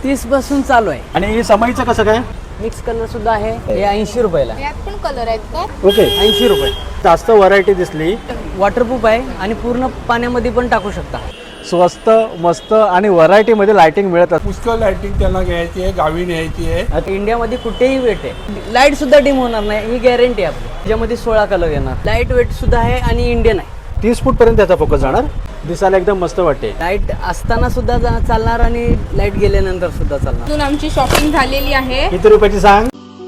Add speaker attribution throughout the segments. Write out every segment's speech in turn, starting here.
Speaker 1: 30 पासून चालू आहे।
Speaker 2: आणि हे समईचं कसं काय?
Speaker 1: मिक्स कलर सुद्धा आहे, हे 80 रुपयाला।
Speaker 3: यात पण कलर आहेत का?
Speaker 2: ओके,
Speaker 1: 80 रुपये।
Speaker 2: जास्त व्हरायटी दिसली।
Speaker 1: वॉटरप्रूफ आहे आणि पूर्ण पाण्यामध्ये पण टाकू शकता।
Speaker 2: स्वस्त मस्त आणि व्हरायटीमध्ये लाइटिंग मिळत असते।
Speaker 4: पुष्कळ लाइटिंग त्यांना घ्यायची आहे, गावी न्यायची आहे।
Speaker 1: इंडियामध्ये कुठेही वेट आहे, लाईट सुद्धा डिम होणार नाही, ही गॅरंटी आहे आपली। त्याच्यामध्ये 16 कलर येणार, लाईट वेट सुद्धा आहे आणि इंडियन आहे।
Speaker 2: 30 फूट पर्यंत त्याचा फोकस जाणार, दिसायला एकदम मस्त वाटते।
Speaker 1: लाईट असताना सुद्धा चालणार आणि लाईट गेल्यानंतर सुद्धा चालणार।
Speaker 3: अजून आमची शॉपिंग झालेली आहे।
Speaker 2: किती रुपयाची सांग?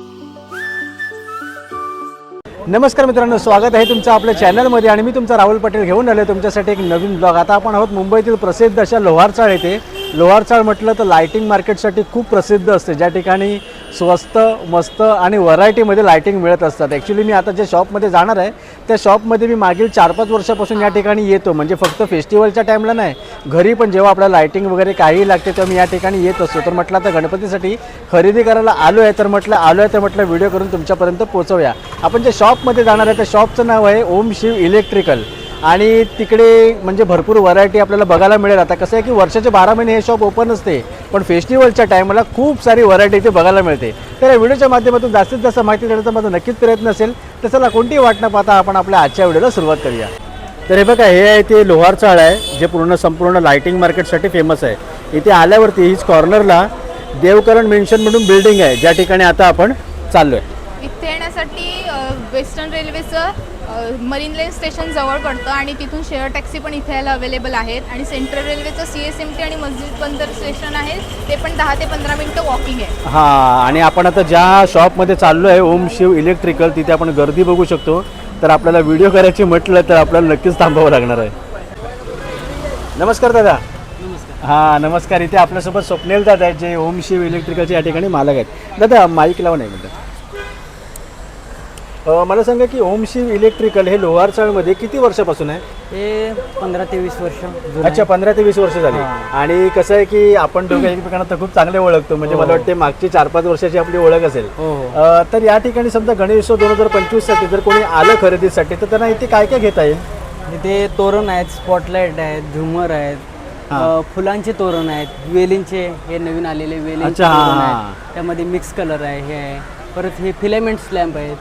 Speaker 2: नमस्कार मित्रांनो, स्वागत आहे तुमचं आपल्या चॅनलमध्ये आणि मी तुमचा राहुल पटेल घेऊन आलो तुमच्यासाठी एक नवीन ब्लॉग। आता आपण आहोत मुंबईतील प्रसिद्ध अशा लोहारचाळ येथे। लोहारचाळ म्हटलं तर लाइटिंग मार्केटसाठी खूप प्रसिद्ध असते, ज्या ठिकाणी स्वस्त मस्त आणि व्हरायटीमध्ये लाइटिंग मिळत असतात। ॲक्च्युली मी आता ज्या शॉपमध्ये जाणार आहे त्या शॉपमध्ये मी मागील 4-5 वर्षापासून या ठिकाणी येतो, म्हणजे फक्त फेस्टिवलच्या टाईमला नाही, घरी पण जेव्हा आपल्याला लाइटिंग वगैरे काही लागते तेव्हा मी या ठिकाणी येत असतो। तर म्हटलं आता गणपतीसाठी खरेदी करायला आलो आहे, तर म्हटलं व्हिडिओ करून तुमच्यापर्यंत पोहोचवूया। आपण जे शॉपमध्ये जाणार आहे त्या शॉपचं नाव आहे ओम शिव इलेक्ट्रिकल आणि तिकडे म्हणजे भरपूर व्हरायटी आपल्याला बघायला मिळेल। आता कसं आहे की वर्षाचे 12 महिने हे शॉप ओपन असते, पण फेस्टिवलच्या टाईमला खूप सारी व्हरायटी इथे बघायला मिळते। तर या व्हिडिओच्या माध्यमातून जास्तीत जास्त माहिती देण्याचा माझा नक्कीच प्रयत्न असेल। तर चला कोणतीही वाट न पाहता आपण आपल्या आजच्या व्हिडिओला सुरुवात करूया। तर हे बघा, हे आहे ते लोहारचाळ आहे, जे संपूर्ण लाइटिंग मार्केटसाठी फेमस आहे। इथे आल्यावरती हीच कॉर्नरला देवकरण मेन्शन म्हणून बिल्डिंग आहे, ज्या ठिकाणी आता आपण चाललो आहे।
Speaker 3: इथे येण्यासाठी वेस्टर्न रेल्वेचं मरीन लाईन स्टेशन जवळ पडतं आणि तिथून शेअर टॅक्सी पण इथे यायला अवेलेबल आहेत। आणि सेंट्रल रेल्वेचं CSMT आणि मस्जिद बंदर स्टेशन आहे, ते पण 10 ते 15 मिनिटं वॉकिंग आहे।
Speaker 2: हां, आणि आपण आता ज्या शॉपमध्ये चाललो आहे ओम शिव इलेक्ट्रिकल, तिथे आपण गर्दी बघू शकतो। तर आपल्याला व्हिडिओ करायची म्हटलं तर आपल्याला नक्कीच थांबावं लागणार आहे। नमस्कार दादा। हां नमस्कार। इथे आपल्यासोबत स्वप्नील दादा आहेत, जे ओम शिव इलेक्ट्रिकलचे या ठिकाणी मालक आहेत। दादा माईक लावून आहे म्हणतात। मला सांगा की ओम शिव इलेक्ट्रिकल हे लोहारचाळमध्ये किती वर्षापासून आहे?
Speaker 1: हे 15 ते 20 वर्ष जुनं आहे।
Speaker 2: अच्छा, 15 ते 20 वर्ष झाली। आणि कसं आहे की आपण दोघं एकमेकांना तर खूप चांगले ओळखतो, म्हणजे मला वाटते मागची 4-5 वर्षाची आपली ओळख असेल। तर या ठिकाणी समजा गणेशोत्सव 2025 साठी जर कोणी आलं खरेदीसाठी तर त्यांना इथे काय काय घेता येईल?
Speaker 1: इथे तोरण आहेत, स्पॉटलाइट आहेत, झुमर आहेत, फुलांचे तोरण आहेत, वेलींचे हे नवीन आलेले वेलींचे तोरण आहेत, त्यामध्ये मिक्स कलर आहे, हे आहे। परत हे फिलामेंट्स लॅम्प आहेत,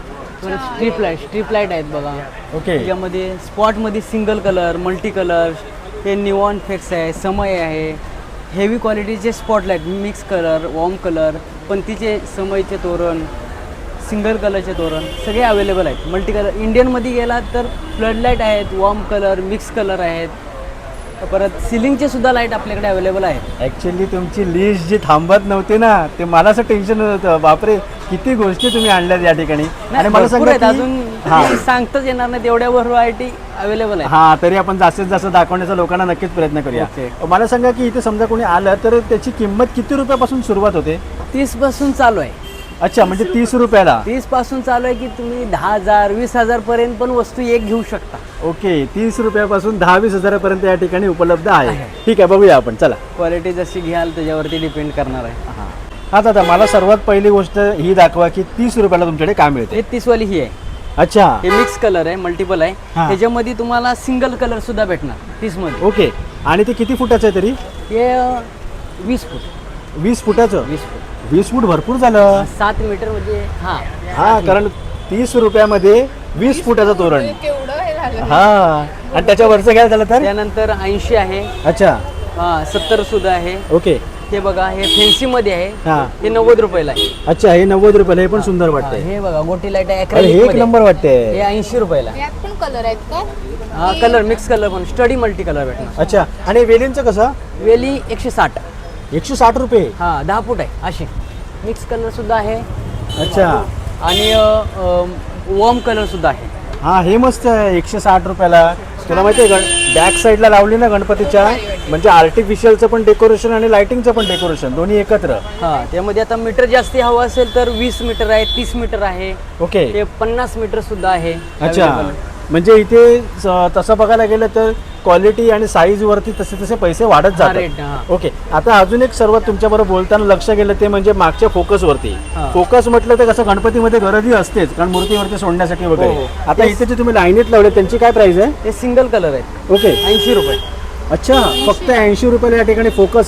Speaker 1: परत स्ट्रीप लाईट आहेत बघा।
Speaker 2: ओके,
Speaker 1: त्यामध्ये स्पॉटमध्ये सिंगल कलर, मल्टी कलर, हे निवॉन फ्लेक्स आहे, समय आहे, हेवी क्वालिटीचे spotlight, mix colour, warm colour, पंतीचे समयचे तोरण, सिंगल कलरचे तोरण सगळे अवेलेबल आहेत। मल्टी कलर इंडियनमध्ये गेलात तर फ्लडलाईट आहेत, वॉर्म कलर, मिक्स कलर आहेत, परत सिलिंगचे सुद्धा लाईट आपल्याकडे अवेलेबल आहेत।
Speaker 2: ॲक्च्युली तुमची लिस्ट जी थांबत नव्हती ना, ते मला असं टेन्शन होतं, बापरे किती गोष्टी तुम्ही आणल्यात या ठिकाणी। आणि मला सांगा की
Speaker 1: अजून सांगताच येणार नाही तेवढ्या व्हरायटी अवेलेबल आहे।
Speaker 2: हां, तरी आपण जास्तीत जास्त दाखवण्याचा लोकांना नक्कीच प्रयत्न करूया। मला सांगा की इथे समजा कोणी आलं तर त्याची किंमत किती रुपयापासून सुरुवात होते?
Speaker 1: 30 पासून चालू आहे।
Speaker 2: अच्छा, म्हणजे 30 रुपयाला
Speaker 1: 30 पासून चालू आहे की तुम्ही 10,000 20,000 पर्यंत पण वस्तू एक घेऊ शकता।
Speaker 2: ओके, 30 रुपयापासून 10-20 हजारापर्यंत या ठिकाणी उपलब्ध आहे। ठीक आहे, बघूया आपण, चला।
Speaker 1: क्वालिटी जशी घ्याल त्याच्यावरती डिपेंड करणार आहे।
Speaker 2: हां दादा, मला सर्वात पहिली गोष्ट ही दाखवा की 30 रुपयाला तुमच्याकडे काय मिळते?
Speaker 1: हे 30 वाली ही आहे।
Speaker 2: अच्छा,
Speaker 1: हे मिक्स कलर आहे, मल्टिपल आहे, त्याच्यामध्ये तुम्हाला सिंगल कलर सुद्धा भेटणार 30 मध्ये।
Speaker 2: ओके, आणि ते किती फुटाचं आहे तरी?
Speaker 1: हे 20 फूट।
Speaker 2: 20 फुटाचं?
Speaker 1: 20 फूट
Speaker 2: 20 फूट भरपूर झालं।
Speaker 1: 7 मीटर म्हणजे
Speaker 2: हां, कारण 30 रुपयामध्ये 20 फुटाचं तोरण।
Speaker 3: केवढं हे झालं।
Speaker 2: हां, आणि त्याच्यावरचं काय झालं तर?
Speaker 1: त्यानंतर 80 आहे।
Speaker 2: अच्छा,
Speaker 1: 70 सुद्धा आहे।
Speaker 2: ओके,
Speaker 1: हे बघा, हे फॅन्सी मध्ये आहे, हे 90 रुपयाला आहे।
Speaker 2: अच्छा, हे 90 रुपयाला, हे पण सुंदर वाटतंय।
Speaker 1: हे बघा गोटी लाईट आहे,
Speaker 2: अरे हे एक नंबर वाटते।
Speaker 1: हे 80 रुपयाला।
Speaker 3: यात पण कलर आहेत का?
Speaker 1: कलर मिक्स कलर पण स्टडी मल्टी कलर भेटणार।
Speaker 2: अच्छा, आणि वेलींचं कसं?
Speaker 1: वेली 160।
Speaker 2: 160 रुपये?
Speaker 1: 10 फूट आहे असे। मिक्स कलर सुद्धा आहे।
Speaker 2: अच्छा,
Speaker 1: आणि वॉर्म कलर सुद्धा आहे।
Speaker 2: हां, हे मस्त आहे 160 रुपयाला। तुला माहिती आहे बॅक साईडला लावली ना गणपतीच्या, म्हणजे आर्टिफिशियलचं पण डेकोरेशन आणि लाइटिंगचं पण डेकोरेशन दोन्ही एकत्र।
Speaker 1: त्यामध्ये आता मीटर जास्ती हवं असेल तर 20 मीटर आहे, 30 मीटर आहे,
Speaker 2: ओके,
Speaker 1: ते 50 मीटर सुद्धा आहे।
Speaker 2: अच्छा, म्हणजे इथे तसं बघायला गेलं तर क्वालिटी आणि साईज वरती तसे तसे पैसे वाढत जातात। ओके, आता अजून एक सर्वात तुमच्याबरोबर बोलताना लक्ष गेलं ते म्हणजे मागच्या फोकस वरती। फोकस म्हटलं तर कसं गणपतीमध्ये गर्दी असतेच, कारण मूर्तीवरती सोडण्यासाठी वगैरे। आता इथे जे तुम्ही लाईनीत लावले त्यांची काय प्राइस आहे?
Speaker 1: ते सिंगल कलर आहे।
Speaker 2: ओके,
Speaker 1: 80 रुपये।
Speaker 2: अच्छा, फक्त 80 रुपयाला या ठिकाणी फोकस आहे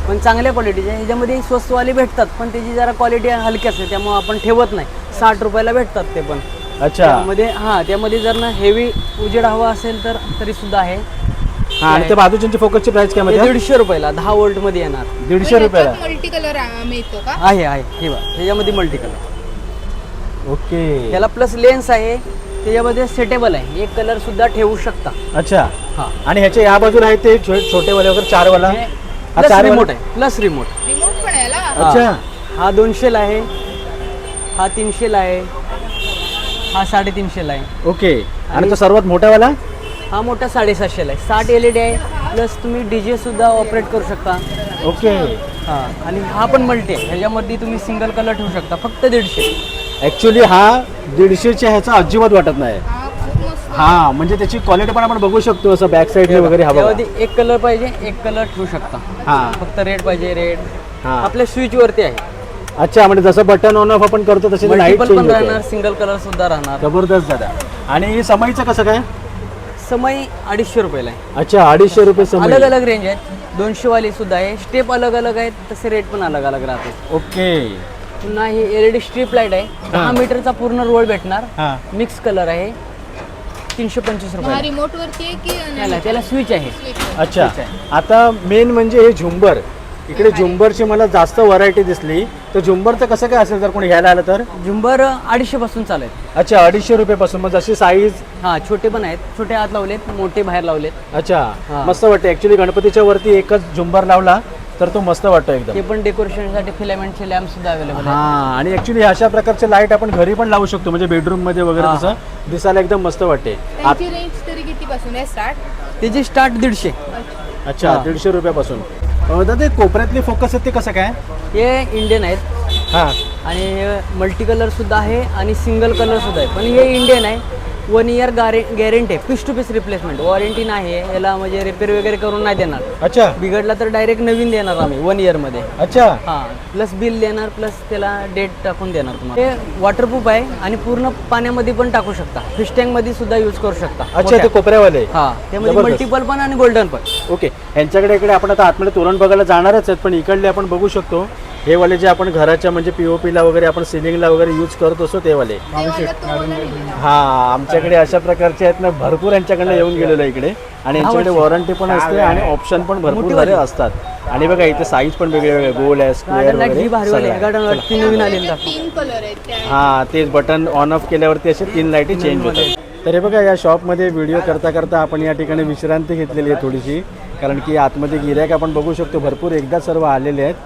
Speaker 1: पण चांगल्या क्वालिटीचे. ह्याच्यामध्ये स्वस्तवाले भेटतात पण त्याची जरा क्वालिटी हलकी असते त्यामुळे आपण ठेवत नाही. 60 रुपयाला भेटतात ते पण.
Speaker 2: अच्छा.
Speaker 1: त्यामध्ये जर ना हेवी उजेड हवा असेल तर तरी सुद्धा आहे.
Speaker 2: आणि त्या बाजूची फोकसची प्राइस काय मध्ये?
Speaker 1: 150 रुपयाला 10 वोल्ट मध्ये येणार.
Speaker 2: 150 रुपयाला
Speaker 3: मल्टी कलर मिळतो का?
Speaker 1: आहे हे बघा ह्याच्यामध्ये मल्टी कलर.
Speaker 2: ओके.
Speaker 1: याला प्लस लेन्स आहे. त्याच्यामध्ये सेटेबल आहे. एक कलर सुद्धा ठेवू शकता.
Speaker 2: अच्छा.
Speaker 1: हा.
Speaker 2: आणि ह्याच्या या बाजूला आहे ते छोटे वाले वगैरे 4 वाला. हा
Speaker 1: प्लस
Speaker 2: 4
Speaker 1: रिमोट आहे. Plus remote.
Speaker 3: रिमोट पण आहे याला?
Speaker 2: अच्छा.
Speaker 1: हा 200 ला आहे. हा 300 ला आहे. हा 350 ला आहे.
Speaker 2: ओके. आणि तो सर्वात मोठा वाला?
Speaker 1: हा मोठा 750 ला आहे. 60 LED आहे. प्लस तुम्ही डीजे सुद्धा ऑपरेट करू शकता.
Speaker 2: ओके.
Speaker 1: हा. आणि हा पण मल्टी आहे. ह्याच्यामध्ये तुम्ही सिंगल कलर ठेवू शकता. फक्त 150.
Speaker 2: ऍक्च्युली हा 150च्या ह्याचा अजिबात वाटत नाही.
Speaker 3: हा खूप मस्त.
Speaker 2: हा म्हणजे त्याची क्वालिटी पण आपण बघू शकतो असं बॅक साईडने वगैरे. हा बघा.
Speaker 1: त्यामध्ये एक कलर पाहिजे एक कलर ठेवू शकता.
Speaker 2: हा.
Speaker 1: फक्त रेड पाहिजे रेड.
Speaker 2: हा.
Speaker 1: आपल्या स्विच वरती आहे.
Speaker 2: अच्छा म्हणजे जसं बटन ऑन ऑफ आपण करतो तसे लाईट
Speaker 1: मल्टिपल
Speaker 2: चेंज
Speaker 1: पण राहणार
Speaker 2: होते.
Speaker 1: सिंगल कलर सुद्धा राहणार.
Speaker 2: जबरदस्त दादा. आणि समईचं कसं काय?
Speaker 1: समय 250 रुपयाला आहे.
Speaker 2: अच्छा 250 रुपये
Speaker 1: अलग
Speaker 2: समय.
Speaker 1: अलग रेंज आहेत. 200 वाली सुद्धा आहे. स्टेप अलग अलग आहेत तसे रेट पण अलग अलग राहते.
Speaker 2: ओके.
Speaker 1: पुन्हा ही LED स्ट्रीप लाईट आहे. 10 मीटरचा पूर्ण रोल भेटणार.
Speaker 2: हा.
Speaker 1: मिक्स कलर आहे. 325
Speaker 3: हा
Speaker 1: रुपये.
Speaker 3: रिमोट वरती आहे की
Speaker 1: त्याला स्विच आहे.
Speaker 2: अच्छा.
Speaker 1: ठीक आहे.
Speaker 2: आता मेन म्हणजे हे झुंबर. इकडे झुंबरची मला जास्त व्हरायटी दिसली. तर झुंबरचं कसं काय असेल जर कोणी घ्यायला आलं तर?
Speaker 1: झुंबर 250 पासून चालू आहेत.
Speaker 2: अच्छा 250 रुपयापासून. मग जशी साईज?
Speaker 1: हा छोटे पण आहेत. छोटे आत लावलेत मोठे बाहेर लावलेत.
Speaker 2: अच्छा.
Speaker 1: हा.
Speaker 2: मस्त वाटते ऍक्च्युली. गणपतीच्या वरती एकच झुंबर लावला तर तो मस्त वाटतो एकदम.
Speaker 1: ते पण डेकोरेशनसाठी फिलामेंटचे लॅम्प सुद्धा अवेलेबल
Speaker 2: हा.
Speaker 1: आहेत.
Speaker 2: आणि ऍक्च्युली अशा प्रकारचे लाईट आपण घरी पण लावू शकतो म्हणजे बेडरूम मध्ये वगैरे.
Speaker 1: हा.
Speaker 2: तसं दिसायला एकदम मस्त वाटते.
Speaker 3: त्यांची रेंज तरी किती पासून आहे स्टार्ट?
Speaker 1: त्याची स्टार्ट 150.
Speaker 2: अच्छा
Speaker 1: हा.
Speaker 2: 150 रुपयापासून. दादा ते कोपऱ्यातले फोकस आहेत ते कसं काय?
Speaker 1: हे इंडियन आहेत
Speaker 2: हा.
Speaker 1: आणि हे मल्टी कलर सुद्धा आहे आणि सिंगल कलर सुद्धा आहे. पण हे इंडियन आहे. 1 इयर गॅरंटी आहे. Piece to piece replacement. Warranty नाही आहे याला. म्हणजे रिपेअर वगैरे करून नाही देणार.
Speaker 2: अच्छा.
Speaker 1: बिघडला तर डायरेक्ट नवीन देणार आम्ही 1 इयरमध्ये.
Speaker 2: अच्छा.
Speaker 1: हां. प्लस बिल देणार प्लस त्याला डेट टाकून देणार तुम्हाला. हे वॉटरप्रूफ आहे आणि पूर्ण पाण्यामध्ये पण टाकू शकता. फिश टँकमध्ये सुद्धा यूज करू शकता.
Speaker 2: अच्छा ते कोपऱ्यावाले.
Speaker 1: हां. त्यामध्ये
Speaker 2: जबरदस्त.
Speaker 1: मल्टिपल पण आणि गोल्डन पण.
Speaker 2: ओके. यांच्याकडे इकडे आपण आता आतमध्ये तोरण बघायला जाणारच आहेत पण इकडले आपण बघू शकतो हे वाले जे आपण घराच्या म्हणजे पीओपीला वगैरे आपण सिलिंगला वगैरे यूज करत असतो ते वाले.
Speaker 3: ते वाला तो वाला लिहिलेला.
Speaker 2: हा. आमच्याकडे अशा प्रकारचे आहेत ना भरपूर यांच्याकडनं येऊन गेलेलो आहे इकडे. आणि यांच्याकडे वॉरंटी पण असते आणि ऑप्शन पण भरपूर
Speaker 1: मोठी
Speaker 2: सारे
Speaker 1: वाली.
Speaker 2: असतात. आणि बघा इथे साईज पण वेगळे वेगळे गोल आहे स्क्वेअर
Speaker 1: गार्डन लाईट
Speaker 2: वगैरे
Speaker 1: ही भारी वाली आहे.
Speaker 2: सगळं
Speaker 1: गार्डन
Speaker 2: आहे.
Speaker 1: लाईट ती नवीन आलेली
Speaker 3: त्याचे
Speaker 1: दाखव.
Speaker 3: 3 कलर आहेत त्या.
Speaker 2: हा तेच बटन ऑन ऑफ केल्यावरती असे 3 लाईटी चेंज होतात. तर हे बघा या शॉपमध्ये व्हिडिओ करता करता आपण या ठिकाणी विश्रांती घेतलेली आहे थोडीशी. कारण की आतमध्ये गिऱ्हाईक आपण बघू शकतो भरपूर एकदा सर्व आलेले आहेत.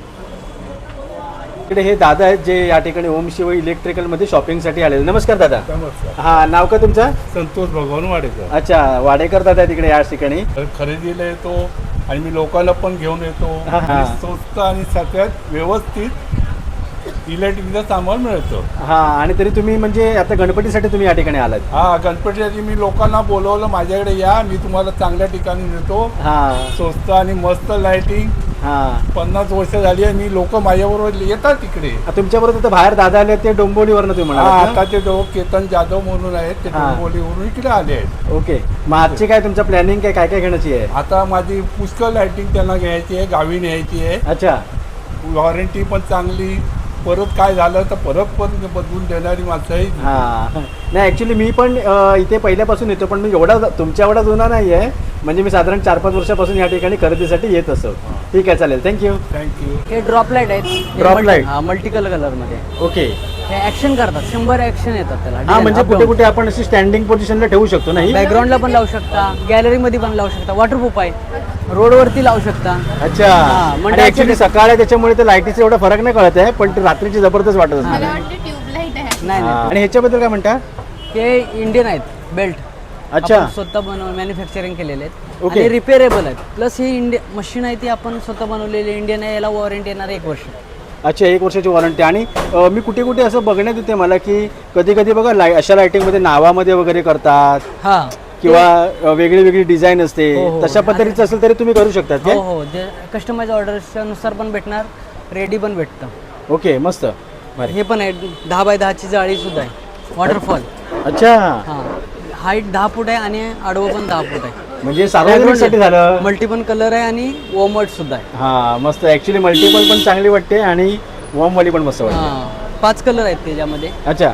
Speaker 2: इकडे हे दादा आहेत जे या ठिकाणी ओम शिव इलेक्ट्रिकलमध्ये शॉपिंगसाठी आलेले. नमस्कार दादा.
Speaker 4: नमस्कार.
Speaker 2: हा नाव का तुमचं?
Speaker 4: संतोष भगवान वाडेकर.
Speaker 2: अच्छा वाडेकर दादा तिकडे या ठिकाणी.
Speaker 4: खरेदीला येतो आणि मी लोकांना पण घेऊन येतो.
Speaker 2: हा, हा.
Speaker 4: आणि स्वस्त आणि सगळ्यात व्यवस्थित इलेक्ट्रिकचं सामान मिळतं.
Speaker 2: हा. आणि तरी तुम्ही म्हणजे आता गणपतीसाठी तुम्ही या ठिकाणी आलात?
Speaker 4: हा गणपतीसाठी मी लोकांना बोलवलं माझ्याकडे या मी तुम्हाला चांगल्या ठिकाणी नेतो.
Speaker 2: हा.
Speaker 4: स्वस्त आणि मस्त लाइटिंग.
Speaker 2: हा.
Speaker 4: 50 वर्ष झाली आणि मी लोक माझ्याबरोबर येतात तिकडे.
Speaker 2: तुमच्याबरोबर तर बाहेर दादा आले ते डोंबिवलीवरनं तुम्ही
Speaker 4: हा
Speaker 2: म्हणालात ना?
Speaker 4: आता ते दोघं केतन जाधव म्हणून आहेत ते
Speaker 2: हा.
Speaker 4: डोंबिवलीवरून इकडे आले आहेत.
Speaker 2: ओके. मग आजची काय तुमचं प्लॅनिंग काय काय काय घेण्याची आहे?
Speaker 4: आता माझी पुष्कळ लाइटिंग त्यांना घ्यायची आहे गावी न्यायची आहे.
Speaker 2: अच्छा.
Speaker 4: वॉरंटी पण चांगली. परत काय झालं तर परत पण बदलून देणारी माणसं आहे.
Speaker 2: हा. नाही ॲक्च्युली मी पण इथे पहिल्यापासून येतो पण मी तुमच्या एवढा जुना नाही आहे. म्हणजे मी साधारण 4-5 वर्षापासून या ठिकाणी खरेदीसाठी येत असतो. ठीक आहे चालेल थँक्यू.
Speaker 4: थँक्यू.
Speaker 1: हे ड्रॉप लाईट आहेत.
Speaker 2: Drop light.
Speaker 1: हा मल्टी कलर मध्ये.
Speaker 2: ओके.
Speaker 1: हे ऍक्शन करतात. 100 ऍक्शन येतात त्याला.
Speaker 2: हा म्हणजे कुठे कुठे आपण अशी स्टँडिंग पोझिशनला ठेवू शकतो नाही?
Speaker 1: बॅकग्राऊंडला पण लावू शकता. गॅलरी मध्ये पण लावू शकता. वॉटरप्रूफ आहे. रोडवरती लावू शकता.
Speaker 2: अच्छा.
Speaker 1: म्हणजे
Speaker 2: ऍक्च्युली सकाळ आहे त्याच्यामुळे ते लाईटीचा एवढा फरक नाही कळत आहे पण ते रात्रीची जबरदस्त वाटत असते.
Speaker 3: मला वाटतं ट्यूबलाईट आहे.
Speaker 1: नाही नाही.
Speaker 2: आणि ह्याच्याबद्दल काय म्हणता?
Speaker 1: हे इंडियन आहेत बेल्ट.
Speaker 2: अच्छा.
Speaker 1: आपण स्वतः मॅन्युफॅक्चरिंग केलेले आहेत
Speaker 2: ओके.
Speaker 1: आणि रिपेअरेबल आहेत. प्लस ही मशीन आहे ती आपण स्वतः बनवलेली इंडियन आहे. याला वॉरंटी येणार 1 वर्ष.
Speaker 2: अच्छा 1 वर्षाची वॉरंटी. आणि मी कुठे कुठे असं बघण्यात येते मला की कधी कधी बघा अशा लाईटिंगमध्ये नावामध्ये वगैरे करतात
Speaker 1: हा
Speaker 2: किंवा वेगळी वेगळी डिझाईन असते.
Speaker 1: हो, हो.
Speaker 2: तशा पद्धतीचं असेल तरी तुम्ही करू शकतात
Speaker 1: हो
Speaker 2: काय?
Speaker 1: हो. जे कस्टमाइज ऑर्डर्सच्या नुसार पण भेटणार. रेडी पण भेटतं.
Speaker 2: ओके मस्त. भारी.
Speaker 1: हे पण आहे 10x10 ची जाळी सुद्धा आहे. वॉटरफॉल.
Speaker 2: अच्छा.
Speaker 1: हां. हाईट 10 फूट आहे आणि आडवं पण 10 फूट आहे.
Speaker 2: म्हणजे सार्वजनिकसाठी झालं.
Speaker 1: मल्टिपल कलर आहे आणि वॉर्मवर्ड सुद्धा आहे.
Speaker 2: हा मस्त. ऍक्च्युली मल्टिपल पण चांगली वाटते आणि वॉर्मवाली पण मस्त वाटते.
Speaker 1: हां 5 कलर आहेत त्याच्यामध्ये.
Speaker 2: अच्छा,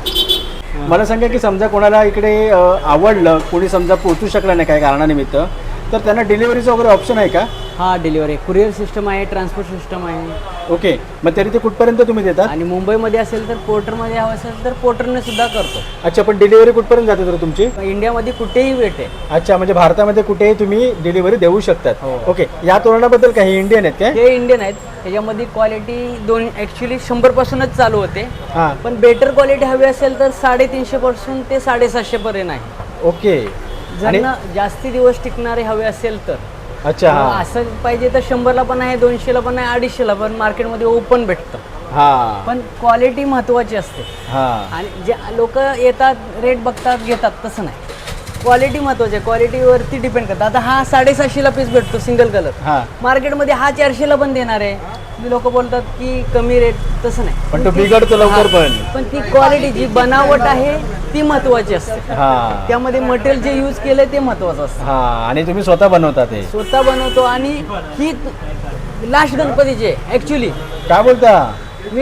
Speaker 1: हां
Speaker 2: मला सांगा की समजा कोणाला इकडे आवडलं, कोणी समजा पोहोचू शकला नाही काही कारणानिमित्त, तर त्यांना डिलिव्हरीचं वगैरे ऑप्शन आहे का?
Speaker 1: हां डिलिव्हरी कुरिअर सिस्टम आहे, ट्रान्सपोर्ट सिस्टम आहे.
Speaker 2: ओके, मग तरी ते कुठपर्यंत तुम्ही देतात?
Speaker 1: आणि मुंबईमध्ये असेल तर पोर्टरमध्ये हवं असेल तर पोर्टरने सुद्धा करतो.
Speaker 2: अच्छा, पण डिलिव्हरी कुठपर्यंत जाते तर तुमची?
Speaker 1: इंडियामध्ये कुठेही भेटेल.
Speaker 2: अच्छा, म्हणजे भारतामध्ये कुठेही तुम्ही डिलिव्हरी देऊ शकतात.
Speaker 1: हो.
Speaker 2: ओके, या तोरणाबद्दल काही इंडियन आहेत काय?
Speaker 1: हे इंडियन आहेत. त्याच्यामध्ये क्वालिटी दोन ॲक्च्युली 100 पासूनच चालू होते.
Speaker 2: हां,
Speaker 1: पण बेटर क्वालिटी हवी असेल तर 350 पासून ते 750 पर्यंत आहे.
Speaker 2: ओके. आणि
Speaker 1: जर जास्ती दिवस टिकणारे हवे असेल तर
Speaker 2: अच्छा,
Speaker 1: मग
Speaker 2: हां
Speaker 1: असं पाहिजे तर 100ला पण आहे, 200ला पण आहे, 250ला पण मार्केटमध्ये ओपन भेटतं.
Speaker 2: हां
Speaker 1: पण क्वालिटी महत्त्वाची असते.
Speaker 2: हां
Speaker 1: आणि जे लोक येतात रेट बघतात घेतात तसं नाही. क्वालिटी महत्त्वाची आहे. क्वालिटीवरती डिपेंड करतं. आता हा 750ला पीस भेटतो सिंगल कलर.
Speaker 2: हां,
Speaker 1: मार्केटमध्ये हा 400ला पण देणार आहे. लोक बोलतात की कमी रेट, तसं नाही.
Speaker 2: पण तो बिघडतो लवकर पण.
Speaker 1: पण ती क्वालिटी जी बनावट आहे ती महत्त्वाची असते.
Speaker 2: हां
Speaker 1: त्यामध्ये मटेरियल जे यूज केलंय ते महत्त्वाचं असतं.
Speaker 2: हां, आणि तुम्ही स्वतः बनवता ते?
Speaker 1: स्वतः बनवतो. आणि ही लास्ट गणपतीचे ॲक्च्युली
Speaker 2: काय बोलता?
Speaker 1: मी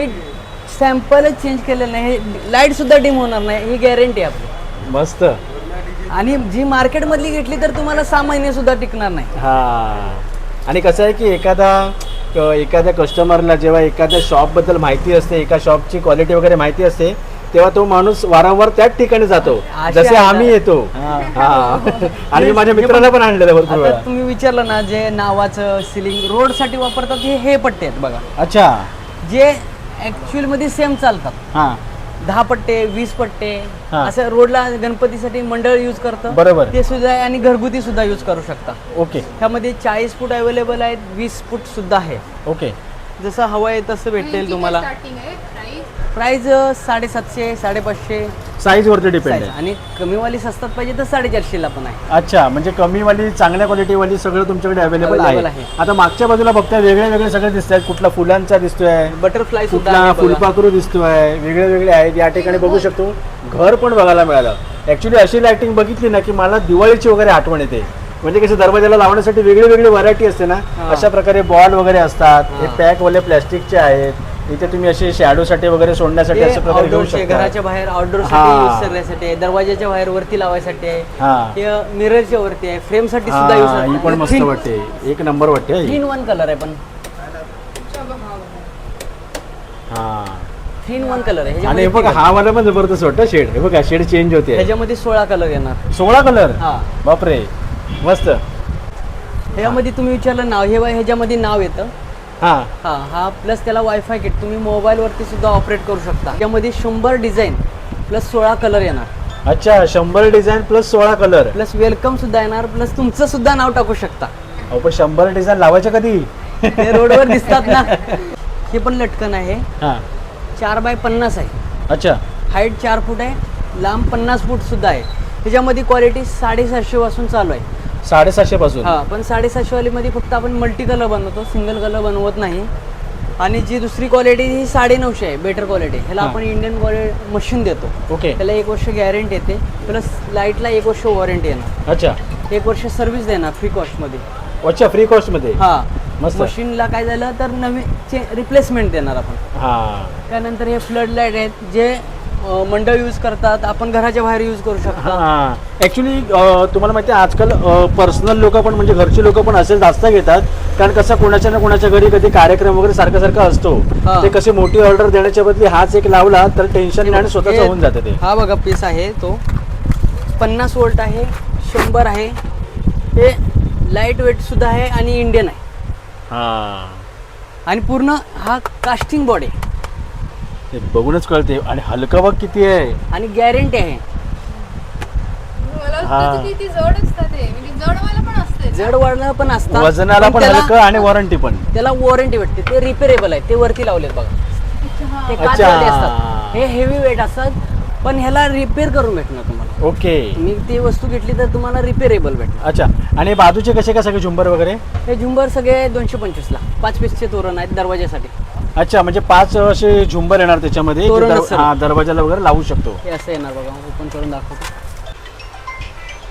Speaker 1: सॅम्पलच चेंज केलेलं नाही. हे लाईट सुद्धा डिम होणार नाही, ही गॅरंटी आहे आपली.
Speaker 2: मस्त.
Speaker 1: आणि जी मार्केटमधली घेतली तर तुम्हाला 6 महिने सुद्धा टिकणार नाही.
Speaker 2: हां, आणि कसं आहे की एखाद्या कस्टमरला जेव्हा एखाद्या शॉपबद्दल माहिती असते, एका शॉपची क्वालिटी वगैरे माहिती असते, तेव्हा तो माणूस वारंवार त्याच ठिकाणी जातो,
Speaker 1: अशा
Speaker 2: जसे
Speaker 1: आहे
Speaker 2: आम्ही
Speaker 1: ना.
Speaker 2: येतो. हां, आणि मी माझ्या मित्राला पण आणलेलं भरपूर
Speaker 1: आता
Speaker 2: वेळा.
Speaker 1: तुम्ही विचारलं ना, जे नावाचं सिलिंग रोडसाठी वापरतात हे पट्टे आहेत बघा,
Speaker 2: अच्छा,
Speaker 1: जे ॲक्च्युअलमध्ये सेम चालतात.
Speaker 2: हां
Speaker 1: 10 पट्टे 20 पट्टे
Speaker 2: हा.
Speaker 1: असं रोडला गणपतीसाठी मंडळ यूज करतं.
Speaker 2: बरोबर.
Speaker 1: ते सुद्धा आहे. आणि घरगुती सुद्धा यूज करू शकता.
Speaker 2: ओके
Speaker 1: त्यामध्ये 40 फूट अवेलेबल आहेत, 20 फूट सुद्धा आहे.
Speaker 2: ओके.
Speaker 1: जसं हवं आहे तसं भेटेल तुम्हाला.
Speaker 3: स्टार्टिंग आहे प्राइस.
Speaker 1: प्राइस 750 550
Speaker 2: साईज वरती डिपेंड
Speaker 1: size.
Speaker 2: आहे.
Speaker 1: आणि कमीवाली स्वस्तात पाहिजे तर 450ला पण आहे.
Speaker 2: अच्छा, म्हणजे कमीवाली चांगल्या क्वालिटीवाली सगळं तुमच्याकडे अवेलेबल
Speaker 1: Available
Speaker 2: आहे.
Speaker 1: आहे.
Speaker 2: आता मागच्या बाजूला बघताय वेगळे वेगळे सगळे दिसत आहेत. कुठला फुलांचा दिसतोय,
Speaker 1: बटरफ्लाय सुद्धा
Speaker 2: कुठला
Speaker 1: आहे बघा.
Speaker 2: फुलपाखरू दिसतोय, वेगळे वेगळे आहेत. या ठिकाणी बघू शकतो घर पण बघायला मिळालं. ऍक्च्युली अशी लाइटिंग बघितली ना की मला दिवाळीची वगैरे आठवण येते. म्हणजे कसं दरवाजाला लावण्यासाठी वेगळी वेगळी व्हरायटी असते ना,
Speaker 1: हा.
Speaker 2: अशा प्रकारे बॉल वगैरे असतात. हे
Speaker 1: हा.
Speaker 2: पॅकवाले प्लॅस्टिकचे आहेत. इथे तुम्ही असे शॅडोसाठी वगैरे सोडण्यासाठी
Speaker 1: ते
Speaker 2: अशा प्रकारे घेऊ
Speaker 1: outdoor चे,
Speaker 2: शकता.
Speaker 1: घराच्या बाहेर आउटडोर
Speaker 2: हा.
Speaker 1: साठी यूज करण्यासाठी आहे, दरवाजाच्या बाहेर वरती लावायसाठी आहे,
Speaker 2: हा.
Speaker 1: ते मिररच्या वरती आहे, फ्रेम साठी सुद्धा यूज
Speaker 2: हा, ही पण मस्त वाटते. एक नंबर वाटते ही.
Speaker 1: 3-in-1 कलर आहे. पण
Speaker 2: हा,
Speaker 1: 3-in-1 कलर आहे.
Speaker 2: आणि हे
Speaker 1: ह्याच्यामध्ये
Speaker 2: बघा हा वाला पण जबरदस्त वाटतं शेड. हे बघा शेड चेंज होते.
Speaker 1: ह्याच्यामध्ये 16 कलर येणार.
Speaker 2: 16 कलर.
Speaker 1: हा.
Speaker 2: बापरे, मस्त.
Speaker 1: ह्याच्यामध्ये तुम्ही विचारलं नाव, हे ह्याच्यामध्ये नाव येतं.
Speaker 2: हा
Speaker 1: हा प्लस त्याला वायफाय किट तुम्ही मोबाईलवरती सुद्धा ऑपरेट करू शकता. त्यामध्ये 100 डिझाईन प्लस 16 कलर येणार.
Speaker 2: अच्छा, 100 design plus 16 colour.
Speaker 1: Plus welcome सुद्धा येणार. प्लस तुमचं सुद्धा नाव टाकू शकता.
Speaker 2: अहो पण 100 डिझाईन लावायच्या कधी?
Speaker 1: ते रोडवर दिसतात ना. हे पण लटकन आहे.
Speaker 2: हा,
Speaker 1: 4x50 आहे.
Speaker 2: अच्छा.
Speaker 1: हाईट 4 फूट आहे, लांब 50 फूट सुद्धा आहे. त्याच्यामध्ये क्वालिटी 750 पासून चालू आहे.
Speaker 2: 750 पासून.
Speaker 1: हा, पण 750 वालीमध्ये फक्त आपण मल्टी कलर बनवतो, सिंगल कलर बनवत नाही. आणि जी दुसरी क्वालिटी ही 950 आहे, बेटर क्वालिटी. ह्याला
Speaker 2: हा.
Speaker 1: आपण इंडियन क्वालिटी मशीन देतो.
Speaker 2: ओके.
Speaker 1: त्याला 1 वर्ष गॅरंटी येते. प्लस लाईटला 1 वर्ष वॉरंटी येणार.
Speaker 2: अच्छा
Speaker 1: 1 वर्ष सर्व्हिस देणार फ्री कॉस्टमध्ये.
Speaker 2: अच्छा, फ्री कॉस्ट मध्ये.
Speaker 1: हा,
Speaker 2: मस्त.
Speaker 1: मशीनला काय झालं तर नवीन रिप्लेसमेंट देणार आपण.
Speaker 2: हा,
Speaker 1: त्यानंतर हे फ्लड लाईट आहेत जे मंडळ यूज करतात, आपण घराच्या बाहेर यूज करू शकतो.
Speaker 2: हा. ऍक्च्युली तुम्हाला माहिती आहे आजकाल पर्सनल लोक पण म्हणजे घरची लोक पण असेल जास्त घेतात. कारण कसं कोणाच्या ना कोणाच्या घरी कधी कार्यक्रम वगैरे सारखा सारखा असतो.
Speaker 1: हा.
Speaker 2: ते कसे मोठी ऑर्डर देण्याच्या बदली हाच एक लावला तर टेन्शन नाही आणि स्वतःच होऊन जातं ते.
Speaker 1: हा बघा पीस आहे तो 50 वोल्ट आहे, 100 आहे. हे लाईट वेट सुद्धा आहे आणि इंडियन आहे.
Speaker 2: हा,
Speaker 1: आणि पूर्ण हा कास्टिंग बॉडी आहे.
Speaker 2: ते बघूनच कळते. आणि हलका बघ किती आहे.
Speaker 1: आणि गॅरंटी आहे.
Speaker 3: मला
Speaker 2: हा.
Speaker 3: वाटतं की ती जड असतात ते, म्हणजे जडवाला पण असते.
Speaker 1: जड वाढणं पण असतात.
Speaker 2: वजनाला पण
Speaker 1: त्याला-
Speaker 2: हलकं आणि वॉरंटी पण.
Speaker 1: त्याला वॉरंटी भेटते. ते रिपेरेबल आहे. ते वरती लावलेत बघा. ते
Speaker 2: अच्छा.
Speaker 1: काचवाले असतात. हे हेवी वेट असतात. पण ह्याला रिपेअर करून भेटणार तुम्हाला.
Speaker 2: ओके.
Speaker 1: तुम्ही ती वस्तू घेतली तर तुम्हाला रिपेरेबल भेटणार.
Speaker 2: अच्छा, आणि बाजूचे कसे काय सगळे झुंबर वगैरे?
Speaker 1: हे झुंबर सगळे 225ला 5 पीसचे तोरण आहेत दरवाजासाठी.
Speaker 2: अच्छा, म्हणजे 5 असे झुंबर येणार त्याच्यामध्ये जे
Speaker 1: तोरण असेल.
Speaker 2: दरवाजाला वगैरे लावू शकतो.
Speaker 1: हे असं येणार बघा. ओपन करून दाखवतो.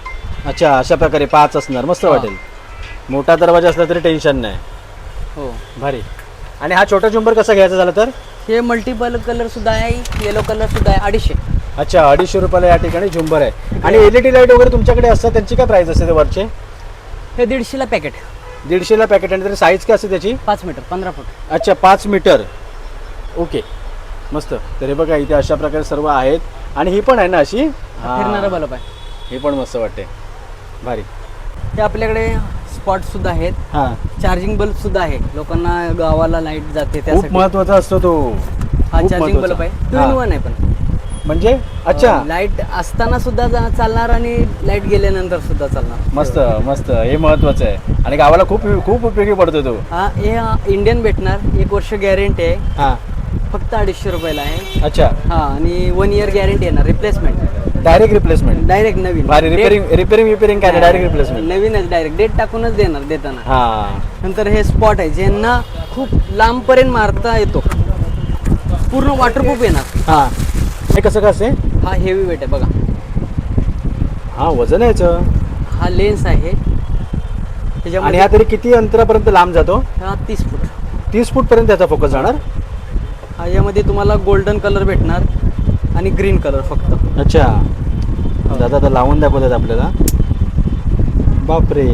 Speaker 2: अच्छा, अशा प्रकारे 5 असणार, मस्त
Speaker 1: हा.
Speaker 2: वाटेल. मोठा दरवाजा असला तरी टेन्शन नाही.
Speaker 1: हो.
Speaker 2: भारी. आणि हा छोटा झुंबर कसा घ्यायचा झाला तर?
Speaker 1: हे मल्टिपल कलर सुद्धा आहे, येलो कलर सुद्धा आहे, 250.
Speaker 2: अच्छा, 250 रुपयाला या ठिकाणी झुंबर आहे. आणि LED लाईट वगैरे तुमच्याकडे असतात, त्यांची काय प्राइस असते ते वरचे?
Speaker 1: हे 150ला पॅकेट,
Speaker 2: 150ला पॅकेट. आणि तरी साईज काय असते त्याची?
Speaker 1: 5 मीटर 15 फूट.
Speaker 2: अच्छा, 5 मीटर. ओके, मस्त. तर हे बघा इथे अशा प्रकारे सर्व आहेत. आणि ही पण आहे ना अशी
Speaker 1: फिरणारा बल्ब आहे.
Speaker 2: हे पण मस्त वाटते, भारी.
Speaker 1: हे आपल्याकडे स्पॉट सुद्धा आहेत,
Speaker 2: हां,
Speaker 1: चार्जिंग बल्ब सुद्धा आहे, लोकांना गावाला लाईट जाते
Speaker 2: खूप
Speaker 1: त्यासाठी.
Speaker 2: महत्वाचा असतो तो.
Speaker 1: हा
Speaker 2: खूप
Speaker 1: चार्जिंग
Speaker 2: महत्त्वाचा.
Speaker 1: बल्ब आहे, 2
Speaker 2: हां.
Speaker 1: in 1 आहे पण.
Speaker 2: म्हणजे अच्छा,
Speaker 1: लाईट असताना सुद्धा चालणार आणि लाईट गेल्यानंतर सुद्धा चालणार.
Speaker 2: मस्त मस्त, हे महत्वाचं आहे. आणि गावाला खूप खूप उपयोगी पडतो तो.
Speaker 1: हा हे इंडियन भेटणार, 1 वर्ष गॅरंटी आहे,
Speaker 2: हां,
Speaker 1: फक्त 250 रुपयाला आहे.
Speaker 2: अच्छा,
Speaker 1: हा आणि 1 year गॅरंटी येणार, रिप्लेसमेंट
Speaker 2: डायरेक्ट रिप्लेसमेंट.
Speaker 1: डायरेक्ट नवीन.
Speaker 2: भारी. रिपेरिंग काय, डायरेक्ट रिप्लेसमेंट.
Speaker 1: नवीनच डायरेक्ट डेट टाकूनच देणार देताना.
Speaker 2: हां,
Speaker 1: नंतर हे स्पॉट आहे ज्यांना खूप लांबपर्यंत मारता येतो, पूर्ण वॉटरप्रूफ येणार.
Speaker 2: हां. हे कसं का असते?
Speaker 1: हा हेवी वेट आहे बघा,
Speaker 2: हां, वजन आहे याचं.
Speaker 1: हा लेन्स आहे
Speaker 2: आणि
Speaker 1: त्याच्यामध्ये.
Speaker 2: हा तरी किती अंतरापर्यंत लांब जातो?
Speaker 1: हा 30 फूट.
Speaker 2: 30 फूट पर्यंत त्याचा फोकस जाणार.
Speaker 1: हा यामध्ये तुम्हाला गोल्डन कलर भेटणार आणि ग्रीन कलर फक्त.
Speaker 2: अच्छा, दादा आता लावून दाखवतात आपल्याला. बापरे,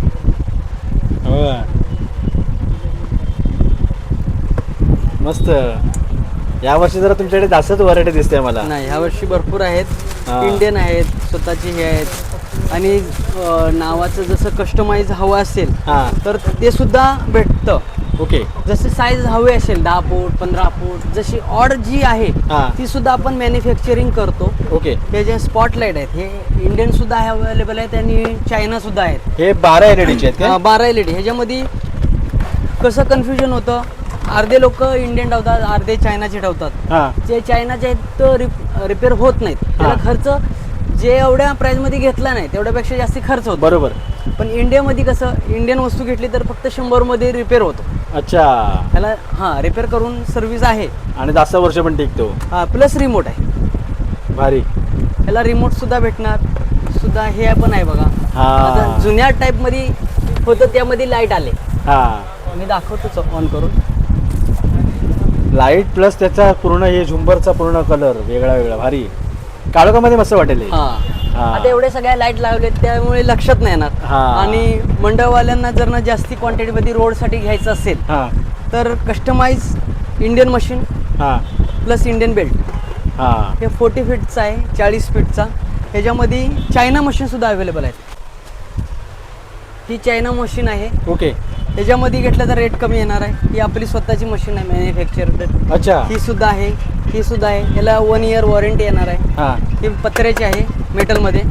Speaker 2: मस्त. यावर्षी जरा तुमच्याकडे जास्तच व्हरायटी दिसते मला.
Speaker 1: नाही ह्या वर्षी भरपूर आहेत,
Speaker 2: हा.
Speaker 1: इंडियन आहेत, स्वतःची हे आहेत. आणि नावाचं जसं कस्टमाइज हवं असेल
Speaker 2: हां,
Speaker 1: तर ते सुद्धा भेटतं.
Speaker 2: ओके.
Speaker 1: जसे साईज हवे असेल 10 फूट 15 फूट, जशी ऑर्डर जी आहे
Speaker 2: हा.
Speaker 1: ती सुद्धा आपण मॅन्युफॅक्चरिंग करतो.
Speaker 2: ओके.
Speaker 1: हे जे स्पॉटलाईट आहेत हे इंडियन सुद्धा अवेलेबल आहेत आणि चायना सुद्धा आहेत.
Speaker 2: हे 12 LED चे आहेत का?
Speaker 1: 12 LED. ह्याच्यामध्ये कसं कन्फ्युजन होतं, अर्धे लोक इंडियन ठेवतात, अर्धे चायनाचे ठेवतात.
Speaker 2: हां,
Speaker 1: जे चायनाचे आहेत तर रिपेअर होत नाहीत, त्याला खर्च जे एवढ्या प्राईजमध्ये घेतला नाही तेवढ्यापेक्षा जास्ती खर्च होतो.
Speaker 2: बरोबर.
Speaker 1: पण इंडियामध्ये कसं, इंडियन वस्तू घेतली तर फक्त 100मध्ये रिपेअर होतो.
Speaker 2: अच्छा,
Speaker 1: त्याला हां रिपेअर करून सर्व्हिस आहे.
Speaker 2: आणि जास्त वर्ष पण टिकतो.
Speaker 1: हां प्लस रिमोट आहे,
Speaker 2: भारी.
Speaker 1: त्याला रिमोट सुद्धा भेटणार सुद्धा. हे पण आहे बघा.
Speaker 2: हां.
Speaker 1: आता जुन्या टाईपमध्ये होतं त्यामध्ये लाईट आले,
Speaker 2: हां,
Speaker 1: मी दाखवतोच ऑन करून.
Speaker 2: लाईट प्लस त्याचा पूर्ण हे झुंबरचा पूर्ण कलर वेगळा वेगळा, भारी. काळोखामध्ये मस्त वाटेल हे.
Speaker 1: हां
Speaker 2: हां.
Speaker 1: आता एवढे सगळ्या लाईट लावलेत त्यामुळे लक्षात नाही येणार.
Speaker 2: हां.
Speaker 1: आणि मंडळवाल्यांना जर ना जास्ती क्वांटिटीमध्ये रोडसाठी घ्यायचं असेल
Speaker 2: हां,
Speaker 1: तर कस्टमाइज इंडियन मशीन
Speaker 2: हां,
Speaker 1: प्लस इंडियन बेल्ट.
Speaker 2: हां.
Speaker 1: हे 40 फीटचा आहे, 40 फीटचा. ह्याच्यामध्ये चायना मशीनसुद्धा अवेलेबल आहेत. ही चायना मशीन आहे,
Speaker 2: ओके.
Speaker 1: त्याच्यामध्ये घेतलं तर रेट कमी येणार आहे. ही आपली स्वतःची मशीन आहे मॅन्युफॅक्चर.
Speaker 2: अच्छा,
Speaker 1: ही सुद्धा आहे, ही सुद्धा आहे. ह्याला 1 year वॉरंटी येणार आहे.
Speaker 2: हां,
Speaker 1: ही पत्र्याची आहे मेटलमध्ये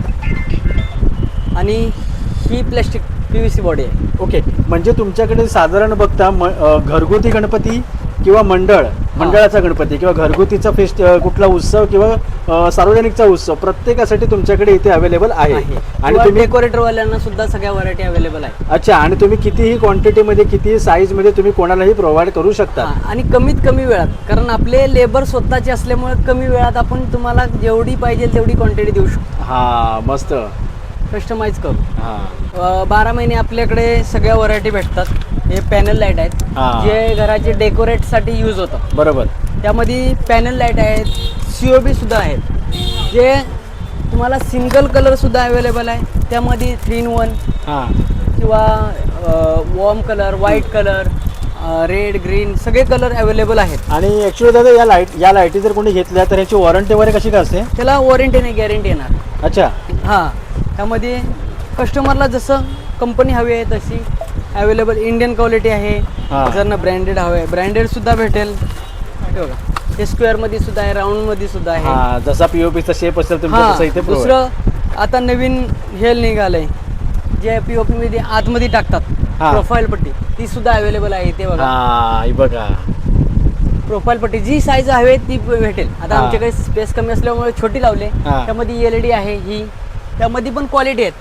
Speaker 1: आणि ही प्लॅस्टिक PVC बॉडी आहे.
Speaker 2: ओके. म्हणजे तुमच्याकडे साधारण बघता घरगुती गणपती किंवा मंडळाचा गणपती किंवा घरगुतीचा कुठला उत्सव किंवा सार्वजनिकचा उत्सव, प्रत्येकासाठी तुमच्याकडे इथे अवेलेबल आहे. आणि तुम्ही
Speaker 1: डेकोरेटरवाल्यांना सुद्धा सगळ्या व्हरायटी अवेलेबल आहे.
Speaker 2: अच्छा, आणि तुम्ही कितीही क्वांटिटीमध्ये कितीही साईजमध्ये तुम्ही कोणालाही प्रोव्हाइड करू शकता.
Speaker 1: हां, आणि कमीत कमी वेळात, कारण आपले लेबर स्वतःचे असल्यामुळे कमी वेळात आपण तुम्हाला जेवढी पाहिजे तेवढी क्वांटिटी देऊ शकतो,
Speaker 2: हां, मस्त.
Speaker 1: कस्टमाइज करू.
Speaker 2: हां,
Speaker 1: 12 महिने आपल्याकडे सगळ्या व्हरायटी भेटतात. हे पॅनल लाईट आहेत
Speaker 2: हां.
Speaker 1: जे घराचे डेकोरेटसाठी यूज होतं.
Speaker 2: बरोबर.
Speaker 1: त्यामध्ये पॅनल लाईट आहेत, COB सुद्धा आहेत, जे तुम्हाला सिंगल कलरसुद्धा अवेलेबल आहे. त्यामध्ये 3 in 1
Speaker 2: हां,
Speaker 1: किंवा warm colour, white colour, red green सगळे कलर अवेलेबल आहेत.
Speaker 2: आणि ॲक्च्युली दादा या लाईटी जर कोणी घेतल्या तर याची वॉरंटी वगैरे कशी काय असते?
Speaker 1: त्याला वॉरंटी नाही, गॅरंटी येणार.
Speaker 2: अच्छा,
Speaker 1: हां, त्यामध्ये कस्टमरला जसं कंपनी हवी आहे तशी अवेलेबल इंडियन क्वालिटी आहे.
Speaker 2: हां.
Speaker 1: जर ना ब्रँडेड हवं आहे ब्रँडेडसुद्धा भेटेल. हे बघा, हे स्क्वेअरमध्ये सुद्धा आहे, राऊंडमध्ये सुद्धा आहे.
Speaker 2: हां, जसा POPचा शेप असेल तुमचा
Speaker 1: हां,
Speaker 2: तसं इथे provide.
Speaker 1: दुसरं आता नवीन हे निघालंय जे POP मध्ये आतमध्ये टाकतात,
Speaker 2: हां.
Speaker 1: प्रोफाईल पट्टी, ती सुद्धा अवेलेबल आहे. ते बघा,
Speaker 2: हां, हे बघा.
Speaker 1: प्रोफाईल पट्टी जी साईज हवे ती भेटेल. आता
Speaker 2: हां.
Speaker 1: आमच्याकडे स्पेस कमी असल्यामुळे छोटी लावले.
Speaker 2: हां.
Speaker 1: त्यामध्ये LED आहे, ही त्यामध्ये पण क्वालिटी आहेत.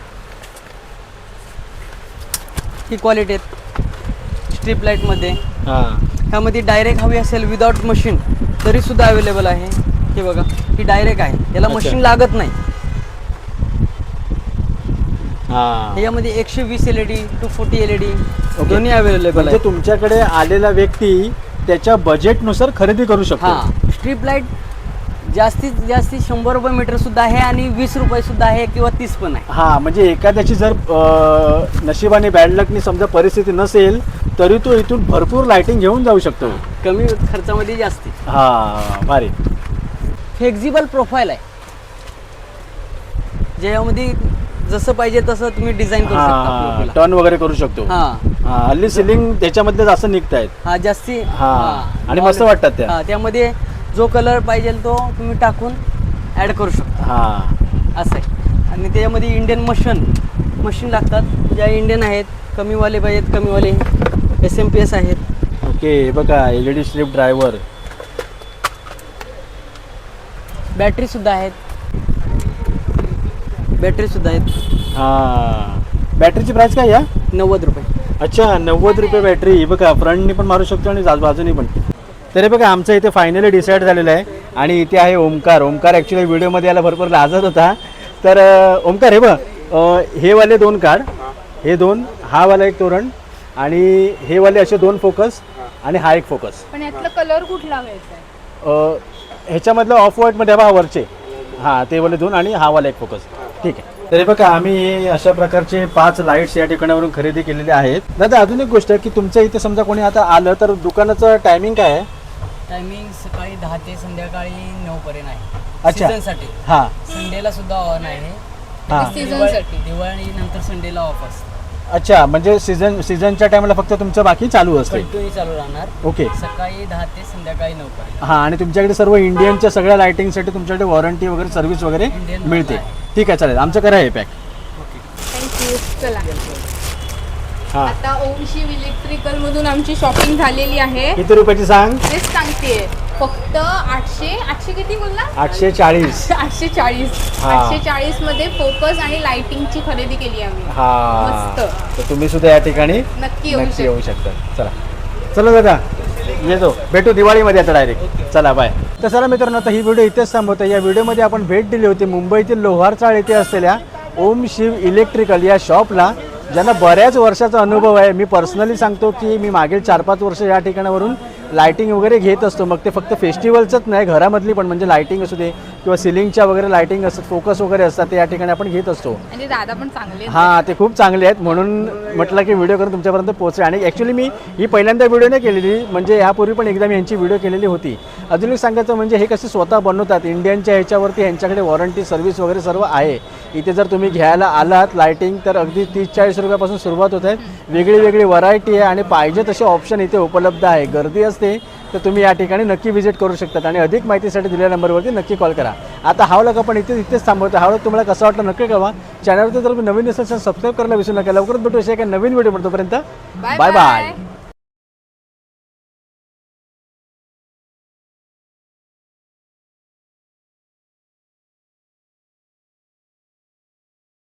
Speaker 1: ही क्वालिटी आहेत स्ट्रीप लाईटमध्ये.
Speaker 2: हां,
Speaker 1: त्यामध्ये डायरेक्ट हवी असेल विदाउट मशीन तरी सुद्धा अवेलेबल आहे. हे बघा, ही डायरेक्ट आहे, याला
Speaker 2: अच्छा.
Speaker 1: मशीन लागत नाही.
Speaker 2: हां
Speaker 1: ह्याच्यामध्ये 120 LED to 40 LED
Speaker 2: Okay.
Speaker 1: दोन्ही अवेलेबल
Speaker 2: म्हणजे
Speaker 1: आहे.
Speaker 2: तुमच्याकडे आलेला व्यक्ती त्याच्या बजेटनुसार खरेदी करू शकतो.
Speaker 1: हां स्ट्रीप लाईट जास्तीत जास्त 100 रुपये मीटर सुद्धा आहे आणि 20 रुपये सुद्धा आहे किंवा 30 पण आहे.
Speaker 2: हां म्हणजे एखाद्याची जर नशिबाने बॅड लकनी समजा परिस्थिती नसेल तरी तो इथून भरपूर लाइटिंग घेऊन जाऊ शकतो.
Speaker 1: कमी खर्चामध्ये जास्ती.
Speaker 2: हां भारी.
Speaker 1: फ्लेक्झिबल प्रोफाईल आहे ज्यामध्ये जसं पाहिजे तसं तुम्ही डिझाईन करू शकता
Speaker 2: हां
Speaker 1: आपल्याला.
Speaker 2: टर्न वगैरे करू शकतो.
Speaker 1: हां
Speaker 2: हां हल्ली सिलिंग त्याच्यामधले जास्त निघत आहेत.
Speaker 1: हा जास्ती.
Speaker 2: हां आणि मस्त वाटतात त्या.
Speaker 1: हां त्यामध्ये जो कलर पाहिजे तो तुम्ही टाकून ॲड करू शकता
Speaker 2: हां
Speaker 1: असं आहे. आणि त्याच्यामध्ये इंडियन मशीन लागतात ज्या इंडियन आहेत. कमीवाले पाहिजेत कमीवाले SMPS आहेत.
Speaker 2: ओके बघा LED स्ट्रीप ड्रायव्हर.
Speaker 1: बॅटरी सुद्धा आहेत.
Speaker 2: हां बॅटरीची प्राइस काय या
Speaker 1: 90 रुपये.
Speaker 2: अच्छा 90 रुपये बॅटरी. बघा फ्रंटनी पण मारू शकतो आणि बाजूनी पण. तरी बघा आमचं इथे फायनली डिसाईड झालेलं आहे आणि इथे आहे ओमकार. ओमकार ॲक्च्युली व्हिडिओमध्ये याला भरपूर लाजत होता. तर ओमकार हे बघ हे वाले 2 कार्ड, हे 2, हा वाला एक तोरण आणि हे वाले असे 2 फोकस आणि हा एक फोकस.
Speaker 3: पण यातला कलर कुठला घ्यायचा आहे?
Speaker 2: ह्याच्यामधलं ऑफ व्हाईटमध्ये बघा वरचे हां ते वाले 2 आणि हा वाला एक फोकस. ठीक आहे. तरी बघा आम्ही अशा प्रकारचे 5 लाईट्स या ठिकाणावरून खरेदी केलेले आहेत. दादा अजून एक गोष्ट की तुमच्या इथे समजा कोणी आता आलं तर दुकानाचं टायमिंग काय आहे?
Speaker 1: टायमिंग सकाळी 10 ते संध्याकाळी 9 पर्यंत आहे.
Speaker 2: अच्छा.
Speaker 1: सीझनसाठी.
Speaker 2: हां
Speaker 1: संडेला सुद्धा ऑन आहे.
Speaker 2: हां
Speaker 3: सीझनसाठी.
Speaker 1: दिवाळी नंतर संडेला ऑफ असतं.
Speaker 2: अच्छा म्हणजे सीझनच्या टायमाला फक्त तुमचं बाकी चालू असते.
Speaker 1: कंटिन्यू चालू राहणार.
Speaker 2: ओके.
Speaker 1: सकाळी 10 ते संध्याकाळी 9 पर्यंत.
Speaker 2: हां आणि तुमच्याकडे सर्व इंडियनच्या सगळ्या लायटिंगसाठी तुमच्याकडे वॉरंटी वगैरे सर्व्हिस वगैरे
Speaker 1: Indian
Speaker 2: मिळते.
Speaker 1: आहे.
Speaker 2: ठीक आहे चालेल. आमचं करा हे पॅक.
Speaker 3: थँक्यू. चला
Speaker 2: हां
Speaker 3: आता ओम शिव इलेक्ट्रिकल मधून आमची शॉपिंग झालेली आहे.
Speaker 2: किती रुपयाची सांग?
Speaker 3: तेच सांगते फक्त 800 किती बोलला?
Speaker 2: 840.
Speaker 3: 840.
Speaker 2: हा.
Speaker 3: 840 मध्ये फोकस आणि लाइटिंगची खरेदी केली आम्ही.
Speaker 2: हां
Speaker 3: मस्त.
Speaker 2: तर तुम्ही सुद्धा या ठिकाणी
Speaker 3: नक्की
Speaker 2: येऊ शकता. चला दादा येतो भेटू दिवाळीमध्ये आता डायरेक्ट. चला बाय. तर चला मित्रांनो आता ही व्हिडिओ इथेच थांबवतो. या व्हिडिओमध्ये आपण भेट दिली होती मुंबईतील लोहार चाळ येथे असलेल्या ओम शिव इलेक्ट्रिकल या शॉपला ज्यांना बऱ्याच वर्षाचा अनुभव आहे. मी पर्सनली सांगतो की मी मागील 4-5 वर्ष या ठिकाणावरून लायटिंग वगैरे घेत असतो. मग ते फक्त फेस्टिवलचंच नाही घरामधली पण म्हणजे लायटिंग असू दे किंवा सिलिंगच्या वगैरे लायटिंग असतात फोकस वगैरे असतात ते या ठिकाणी आपण घेत असतो.
Speaker 3: म्हणजे दादा पण चांगले.
Speaker 2: हां ते खूप चांगले आहेत म्हणून म्हटलं की व्हिडिओ करून तुमच्यापर्यंत पोहोचेल. आणि ॲक्च्युली मी ही पहिल्यांदा व्हिडिओ नाही केलेली म्हणजे यापूर्वी पण एकदा मी यांची व्हिडिओ केलेली होती. अजून एक सांगायचं म्हणजे हे कसे स्वतः बनवतात इंडियनच्या ह्याच्यावरती यांच्याकडे वॉरंटी सर्व्हिस वगैरे सर्व आहे. इथे जर तुम्ही घ्यायला आलात लायटिंग तर अगदी 30-40 रुपयापासून सुरुवात होत आहे. वेगळी व्हरायटी आहे आणि पाहिजे तसे ऑप्शन इथे उपलब्ध आहे. गर्दी असते तर तुम्ही या ठिकाणी नक्की व्हिजिट करू शकतात आणि अधिक माहितीसाठी दिलेल्या नंबरवरती नक्की कॉल करा. आता हा व्लॉग आपण इथेच थांबवतो. हा व्लॉग तुम्हाला कसा वाटला नक्की कळवा. चॅनलवरती जर तुम्ही नवीन असेल तर सबस्क्राईब करायला विसरू नका. लवकरच भेटू अशा एका नवीन व्हिडिओ तोपर्यंत बाय बाय.